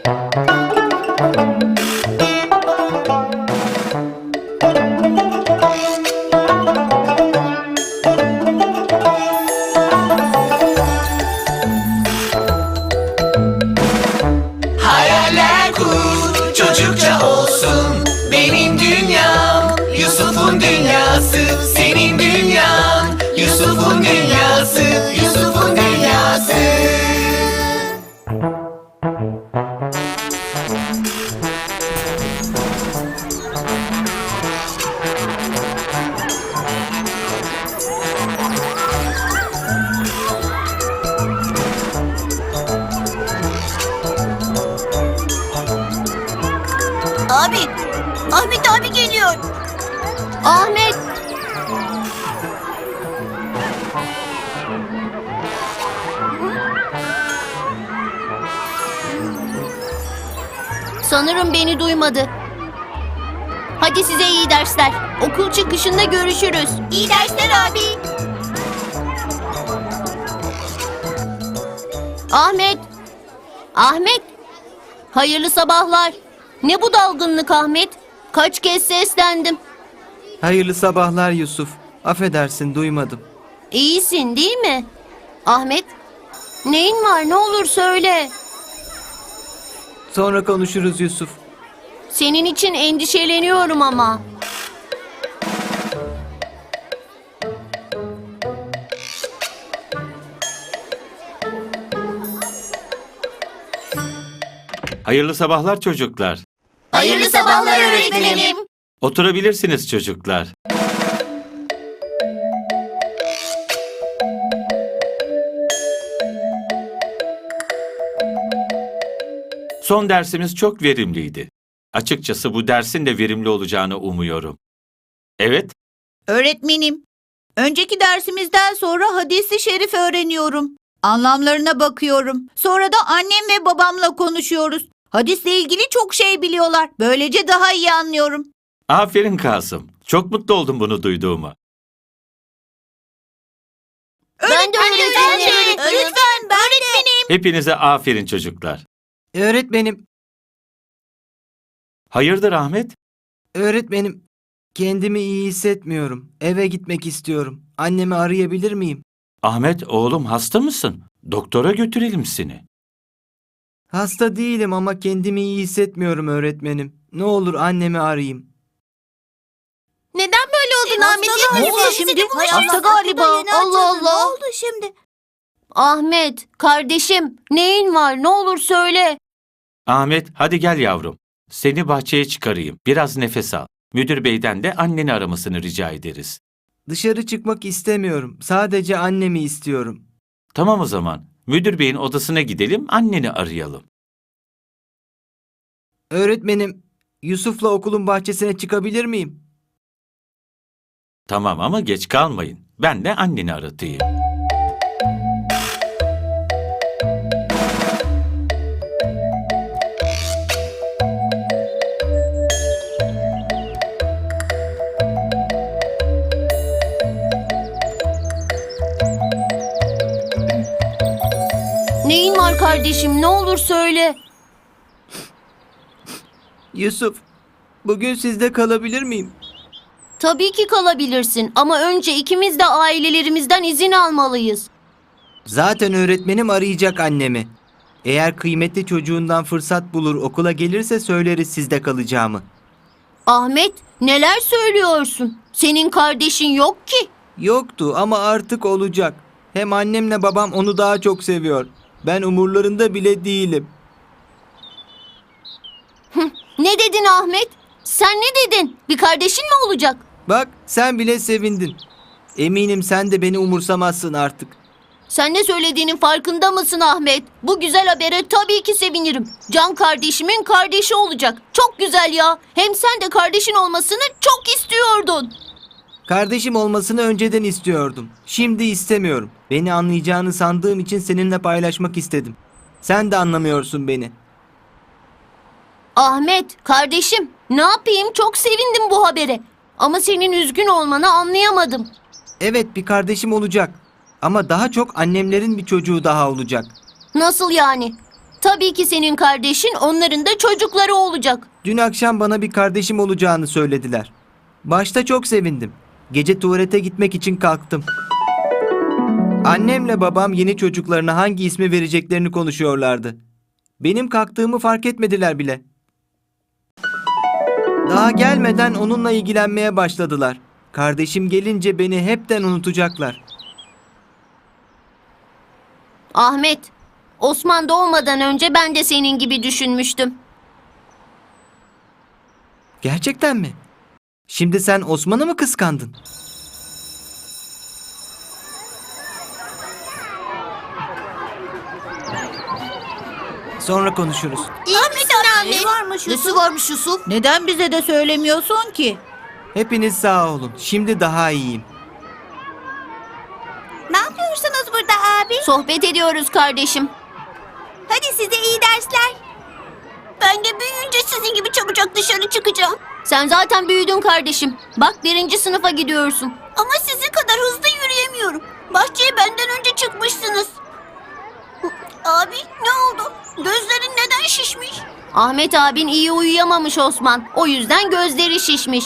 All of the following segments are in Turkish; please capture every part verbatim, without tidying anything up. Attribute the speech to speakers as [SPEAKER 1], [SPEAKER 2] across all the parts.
[SPEAKER 1] Hayaller kur, çocukça olsun. Benim dünyam, Yusuf'un dünyası. Senin dünyan, Yusuf'un dünyası. Yusuf'un dünyası.
[SPEAKER 2] Abi, Ahmet abi geliyor. Ahmet. Sanırım beni duymadı. Hadi size iyi dersler. Okul çıkışında görüşürüz. İyi dersler abi. Ahmet. Ahmet. Hayırlı sabahlar. Ne bu dalgınlık Ahmet? Kaç kez seslendim.
[SPEAKER 3] Hayırlı sabahlar Yusuf. Affedersin, duymadım.
[SPEAKER 2] İyisin değil mi? Ahmet, neyin var, ne olur söyle.
[SPEAKER 3] Sonra konuşuruz Yusuf.
[SPEAKER 2] Senin için endişeleniyorum ama.
[SPEAKER 4] Hayırlı sabahlar çocuklar.
[SPEAKER 2] Hayırlı sabahlar öğretmenim.
[SPEAKER 4] Oturabilirsiniz çocuklar. Son dersimiz çok verimliydi. Açıkçası bu dersin de verimli olacağını umuyorum. Evet,
[SPEAKER 5] Öğretmenim, önceki dersimizden sonra hadis-i şerif öğreniyorum. Anlamlarına bakıyorum. Sonra da annem ve babamla konuşuyoruz. Hadisle ilgili çok şey biliyorlar. Böylece daha iyi anlıyorum.
[SPEAKER 4] aferin Kasım. Çok mutlu oldum bunu duyduğuma.
[SPEAKER 2] Ben de öğretmenim.
[SPEAKER 5] Lütfen ben öğretmenim.
[SPEAKER 4] Hepinize aferin çocuklar.
[SPEAKER 3] Öğretmenim,
[SPEAKER 4] Hayırdır Ahmet?
[SPEAKER 3] öğretmenim. Kendimi iyi hissetmiyorum. Eve gitmek istiyorum. Annemi arayabilir miyim?
[SPEAKER 4] Ahmet oğlum hasta mısın? Doktora götürelim seni.
[SPEAKER 3] Hasta değilim ama kendimi iyi hissetmiyorum öğretmenim. Ne olur annemi arayayım.
[SPEAKER 2] Neden böyle oldun Ahmet?
[SPEAKER 5] Ne oldu şimdi? Hasta galiba. Allah Allah. Ne oldu şimdi?
[SPEAKER 2] Ahmet, kardeşim, neyin var, ne olur söyle.
[SPEAKER 4] Ahmet hadi gel yavrum. Seni bahçeye çıkarayım. Biraz nefes al. Müdür beyden de anneni aramasını rica ederiz.
[SPEAKER 3] Dışarı çıkmak istemiyorum. Sadece annemi istiyorum.
[SPEAKER 4] Tamam o zaman. Müdür beyin odasına gidelim, anneni arayalım.
[SPEAKER 3] Öğretmenim, Yusuf'la okulun bahçesine çıkabilir miyim?
[SPEAKER 4] Tamam ama geç kalmayın. Ben de anneni aratayım.
[SPEAKER 2] Neyin var kardeşim, ne olur söyle.
[SPEAKER 3] Yusuf, bugün sizde kalabilir miyim?
[SPEAKER 2] Tabii ki kalabilirsin ama önce ikimiz de ailelerimizden izin almalıyız.
[SPEAKER 3] Zaten öğretmenim arayacak annemi. Eğer kıymetli çocuğundan fırsat bulur okula gelirse söyleriz sizde kalacağımı.
[SPEAKER 2] Ahmet, neler söylüyorsun? Senin kardeşin yok ki.
[SPEAKER 3] Yoktu ama artık olacak. Hem annemle babam onu daha çok seviyor. Ben umurlarında bile değilim.
[SPEAKER 2] Ne dedin Ahmet? Sen ne dedin? Bir kardeşin mi olacak?
[SPEAKER 3] Bak sen bile sevindin. Eminim sen de beni umursamazsın artık.
[SPEAKER 2] Sen ne söylediğinin farkında mısın Ahmet? Bu güzel habere tabii ki sevinirim. Can kardeşimin kardeşi olacak. Çok güzel ya. Hem sen de kardeşin olmasını çok istiyordun.
[SPEAKER 3] Kardeşim olmasını önceden istiyordum. Şimdi istemiyorum. Beni anlayacağını sandığım için seninle paylaşmak istedim. Sen de anlamıyorsun beni.
[SPEAKER 2] Ahmet, kardeşim, ne yapayım? Çok sevindim bu habere. Ama senin üzgün olmanı anlayamadım.
[SPEAKER 3] Evet, bir kardeşim olacak. Ama daha çok annemlerin bir çocuğu daha olacak.
[SPEAKER 2] Nasıl yani? Tabii ki senin kardeşin, onların da çocukları olacak.
[SPEAKER 3] Dün akşam bana bir kardeşim olacağını söylediler. Başta çok sevindim. Gece tuvalete gitmek için kalktım. Annemle babam yeni çocuklarına hangi ismi vereceklerini konuşuyorlardı. Benim kalktığımı fark etmediler bile. Daha gelmeden onunla ilgilenmeye başladılar. Kardeşim gelince beni hepten unutacaklar.
[SPEAKER 2] Ahmet, Osman doğmadan önce ben de senin gibi düşünmüştüm.
[SPEAKER 3] Gerçekten mi? Şimdi sen Osman'ı mı kıskandın? Sonra konuşuruz.
[SPEAKER 5] Ahmet abi. Ne varmış Yusuf?
[SPEAKER 2] Nesi varmış Yusuf?
[SPEAKER 5] Neden bize de söylemiyorsun ki?
[SPEAKER 3] Hepiniz sağ olun. Şimdi daha iyiyim.
[SPEAKER 5] Ne yapıyorsunuz burada abi?
[SPEAKER 2] Sohbet ediyoruz kardeşim.
[SPEAKER 5] Hadi size iyi dersler. Ben de büyüyünce sizin gibi çabucak dışarı çıkacağım.
[SPEAKER 2] Sen zaten büyüdün kardeşim. Bak birinci sınıfa gidiyorsun.
[SPEAKER 5] Ama sizin kadar hızlı yürüyemiyorum. Bahçeye benden önce çıkmışsınız. Abi ne oldu? Gözlerin neden şişmiş?
[SPEAKER 2] Ahmet abin iyi uyuyamamış Osman. O yüzden gözleri şişmiş.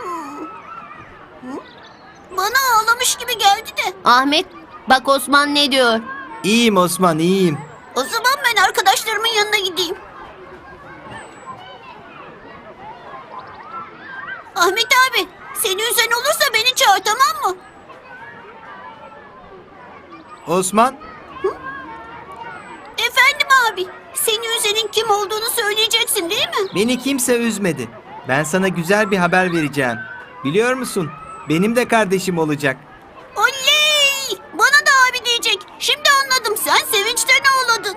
[SPEAKER 5] Bana ağlamış gibi geldi de.
[SPEAKER 2] Ahmet, bak Osman ne diyor?
[SPEAKER 3] İyiyim Osman, iyiyim.
[SPEAKER 5] O zaman ben arkadaşlarımın yanına gideyim. Ahmet abi, seni üzen olursa beni çağır, tamam mı?
[SPEAKER 3] Osman,
[SPEAKER 5] Efendim abi, seni üzenin kim olduğunu söyleyeceksin değil mi?
[SPEAKER 3] beni kimse üzmedi. Ben sana güzel bir haber vereceğim. Biliyor musun? Benim de kardeşim olacak.
[SPEAKER 5] Oley! Bana da abi diyecek. Şimdi anladım, sen sevinçten ağladın.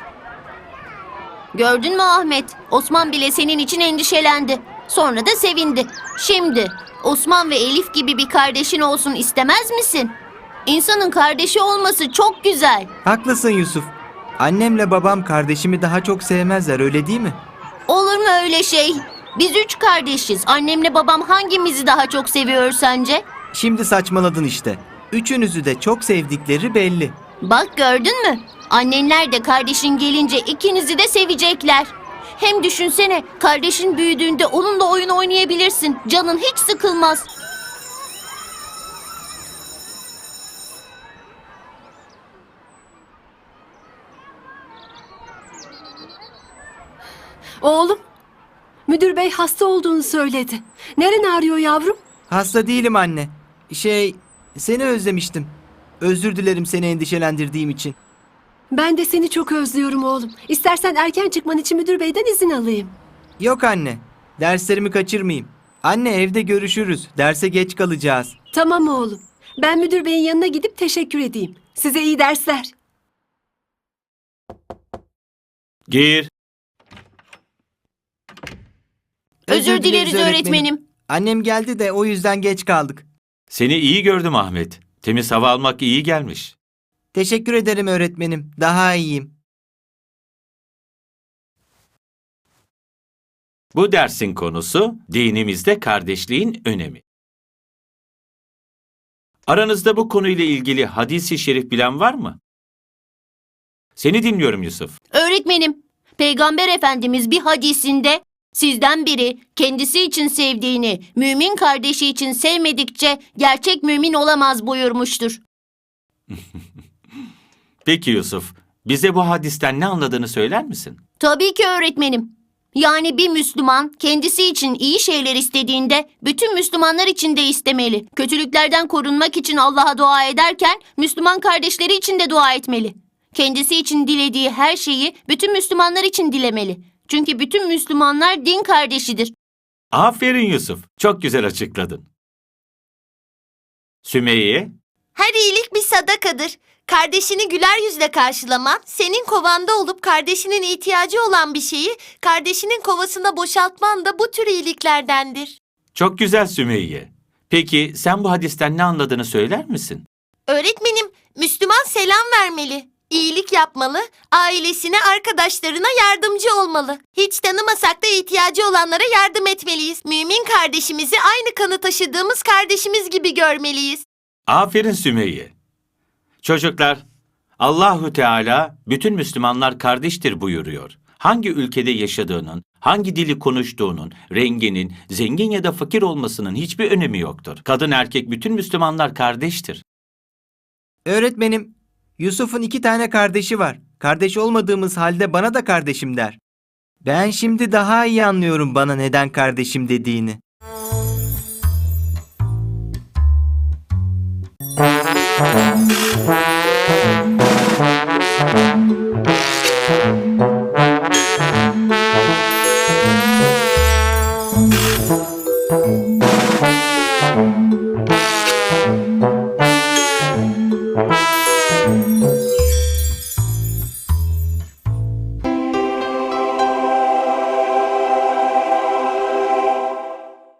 [SPEAKER 2] Gördün mü Ahmet? Osman bile senin için endişelendi. Sonra da sevindi. Şimdi Osman ve Elif gibi bir kardeşin olsun istemez misin? İnsanın kardeşi olması çok güzel.
[SPEAKER 3] Haklısın Yusuf. Annemle babam kardeşimi daha çok sevmezler, öyle değil mi?
[SPEAKER 2] Olur mu öyle şey? Biz üç kardeşiz. Annemle babam hangimizi daha çok seviyor sence?
[SPEAKER 3] Şimdi saçmaladın işte. Üçünüzü de çok sevdikleri belli.
[SPEAKER 2] Bak gördün mü? Annenler de kardeşin gelince ikinizi de sevecekler. Hem düşünsene, kardeşin büyüdüğünde onunla oyun oynayabilirsin. Canın hiç sıkılmaz.
[SPEAKER 6] Oğlum, müdür bey hasta olduğunu söyledi. Neren ağrıyor yavrum?
[SPEAKER 3] Hasta değilim anne. Şey, seni özlemiştim. Özür dilerim seni endişelendirdiğim için.
[SPEAKER 6] Ben de seni çok özlüyorum oğlum. İstersen erken çıkman için müdür beyden izin alayım.
[SPEAKER 3] Yok anne. Derslerimi kaçırmayayım. Anne evde görüşürüz. Derse geç kalacağız.
[SPEAKER 6] Tamam oğlum. Ben müdür beyin yanına gidip teşekkür edeyim. Size iyi dersler.
[SPEAKER 4] Gir.
[SPEAKER 2] Özür dileriz öğretmenim.
[SPEAKER 3] Annem geldi de o yüzden geç kaldık.
[SPEAKER 4] Seni iyi gördüm Ahmet. Temiz hava almak iyi gelmiş.
[SPEAKER 3] Teşekkür ederim öğretmenim. Daha iyiyim.
[SPEAKER 4] Bu dersin konusu dinimizde kardeşliğin önemi. Aranızda bu konuyla ilgili hadis-i şerif bilen var mı? Seni dinliyorum Yusuf.
[SPEAKER 2] Öğretmenim, Peygamber Efendimiz bir hadisinde sizden biri kendisi için sevdiğini mümin kardeşi için sevmedikçe gerçek mümin olamaz buyurmuştur.
[SPEAKER 4] Peki Yusuf, bize bu hadisten ne anladığını söyler misin?
[SPEAKER 2] Tabii ki öğretmenim. Yani bir Müslüman kendisi için iyi şeyler istediğinde bütün Müslümanlar için de istemeli. Kötülüklerden korunmak için Allah'a dua ederken Müslüman kardeşleri için de dua etmeli. Kendisi için dilediği her şeyi bütün Müslümanlar için dilemeli. Çünkü bütün Müslümanlar din kardeşidir.
[SPEAKER 4] Aferin Yusuf, çok güzel açıkladın. Sümeyye,
[SPEAKER 7] Her iyilik bir sadakadır. Kardeşini güler yüzle karşılaman, senin kovanda olup kardeşinin ihtiyacı olan bir şeyi kardeşinin kovasına boşaltman da bu tür iyiliklerdendir.
[SPEAKER 4] çok güzel Sümeyye. Peki sen bu hadisten ne anladığını söyler misin?
[SPEAKER 7] Öğretmenim, Müslüman selam vermeli, iyilik yapmalı, ailesine, arkadaşlarına yardımcı olmalı. Hiç tanımasak da ihtiyacı olanlara yardım etmeliyiz. Mümin kardeşimizi aynı kanı taşıdığımız kardeşimiz gibi görmeliyiz.
[SPEAKER 4] Aferin Sümeyye. Çocuklar, Allahü Teala bütün Müslümanlar kardeştir buyuruyor. Hangi ülkede yaşadığının, hangi dili konuştuğunun, renginin, zengin ya da fakir olmasının hiçbir önemi yoktur. Kadın erkek bütün Müslümanlar kardeştir.
[SPEAKER 3] Öğretmenim, Yusuf'un iki tane kardeşi var. Kardeş olmadığımız halde bana da kardeşim der. Ben şimdi daha iyi anlıyorum bana neden kardeşim dediğini.